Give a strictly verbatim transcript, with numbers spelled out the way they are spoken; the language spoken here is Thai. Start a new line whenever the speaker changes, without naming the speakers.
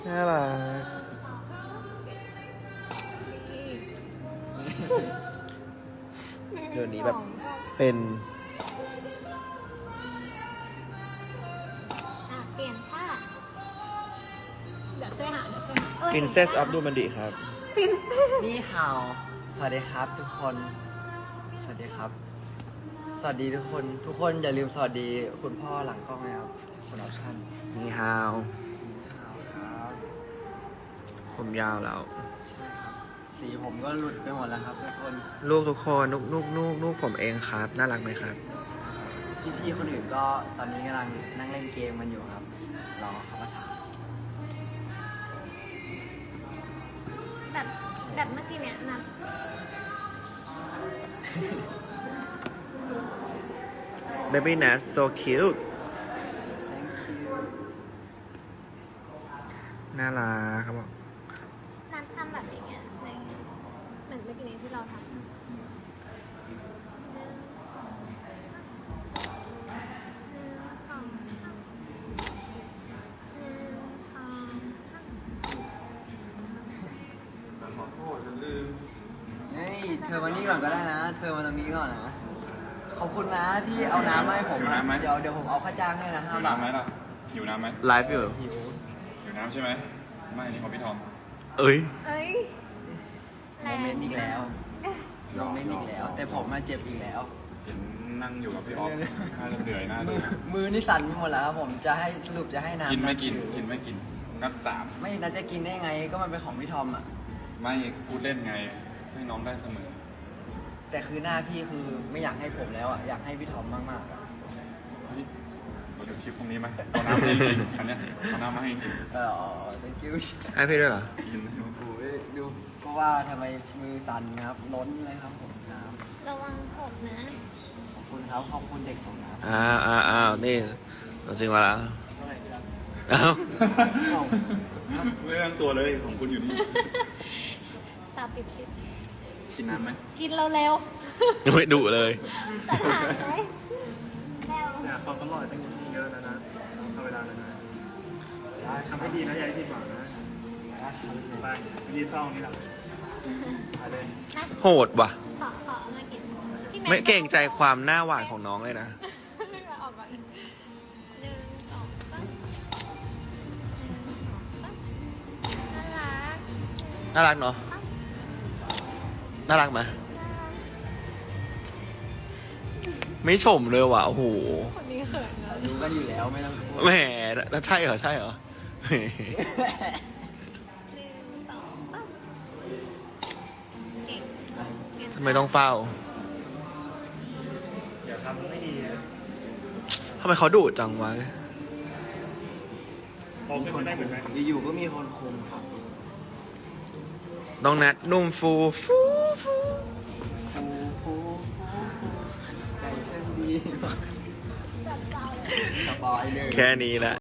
น่ารักเดี๋ยวนี้แบบเป็น
อ่ะเปลี่ยนท่าเดี๋ยวช่วยหาเดี๋ยวช่วยหาเออ
Princess of Dumandi ครับ
นี่ฮาวสวัสดีครับทุกคน สวัสดีครับ สวัสดีทุกคน ทุกคนอย่าลืมสวัสดีคุณพ่อหลังกล้องนะครับคุณออปชั่น
นี่ฮาว
ฮาวครับ
ผมยาวแล้ว
ใช่ครับ สีผมก็หลุดไปหมดแล้วครับทุกคน
ลูกทุกคนนุกนุกนุกนุกผมเองครับ น่ารักไหมครับ
พี่ๆคนอื่นก็ตอนนี้กำลังนั่งเล่นเกมกันอยู่ครับ รอเขามาถาม
แบบแบบเมื่อกี้เนี่ยนะ
Baby Nat so cute
thank you
น่ารักครับบอก
นัดทำแบบอย่างเงี้ยในเหมือนเมื่อกี้นี้ที่เราทำหนึ่งสองสามหนึ่งสองสาม
ขอโทษฉันลืม
เฮ้ยเธอมานี่ก่อนก็ได้นะ เธอมาตรงนี้ก่อนนะ ขอบคุณนะที่เอาน้ำมาให้ผม
อยู่
อะ
น้ำไหม
เดี๋ยวเดี๋ยวผมเอาค่าจ้างให้นะ
อ
ห้า
ยู่
บาท
น้ำไหมล่ะอยู่น้ำไหม
ไลฟ์อยู่
หิว
อยู่น้ำใช่ไหมไม่อันนี่ของพี่ทอม
เอ้ย
เอ้ย
โมเมนต์อีกแล้วโมเมนต์อีกแล้ว แต่ผมมาเจ็บอีกแล้ว
เห็นนั่งอยู่กับพี่ออฟน่าจะเหนื่อยน่า
มื
ดู
อมือนี่สั่นไปหมดแล้วครับผมจะให้สรุปจะให้น้ำ
กินไม่กินกินไม่กินนับสาม
ไม่น่าจะกินได้ไงก็มันเป็นของพี่ทอมอ่ะ
ไม่พูดเล่นไงให้น้องได้เสมอ
แต่คือหน้าพี่คือไม่อยากให้ผมแล้วอ่ะอยากให้พี่ทอมมากๆอะ
เฮ้ยเราดูคลิปพรุ่งนี้ไหมเอาน้ำมาให้กินอันเนี้ยเอาน้ำมาให้กิน
เออ thank you
ให้พี่ด้วยเหรอ
กิน
โอ้ยดูก็ว่าทำไมมือสั่นนะครับล้นเลยครับผมน้
ระวังผมนะ
ำขอบคุณครับขอบคุณเด็กส่งน้ำ
อ้าวอ้าวอ้าวนี่ตัวจริงมาแล้วอ้าว
ไม่ตั้งตัวเลยของคุณอยู่นี่
ตาปิดปิด
กินน้ำไหม
กินเราเร็ว
ยังไม่ดุเลย
ๆจะหาไหมแล้ว
เนี่ยความตลอดตั้งเยอะแล้วนะเอาเวลาเลยนะ
ได้ครับ
ทำให้ดีนะอย่าให้ผิดหวังนะ
ได้ครับ
ไปยืนเฝ้านี่แหละไปเลย
นะ
โหดว่ะ
ขอขอเอามากินพี่แ
ไม่เกรงใจความหน้าหวานของน้องเลยนะ
ออกก่อนอีกหนึ่งสองสามน่ารัก
น่ารักเนาะ น่ารักไหมไม่ชมเลยว่ะ โอ้โห
คนนี้เขินนะ
รู้กันอยู่แล้วไม่ต้องพูด
แหมแล้วใช่เหรอ ใช่เหรอแหม
หนึ่งสองสามเก่งเก่ง
ทำไมต้องเฝ้า
อย่าทำไม่ดีนะ
ทำไมเขาดุจังวะ
โตขึ้นมาได้เหมือนไหม
อยู่ๆก็มีคนคุมครับ
น้องแนทนุ่มฟูฟูฟู
ฟูฟูฟูใจเช่นดี
จับเจ้าเลย
สบายเลย
แค่นี้แหละ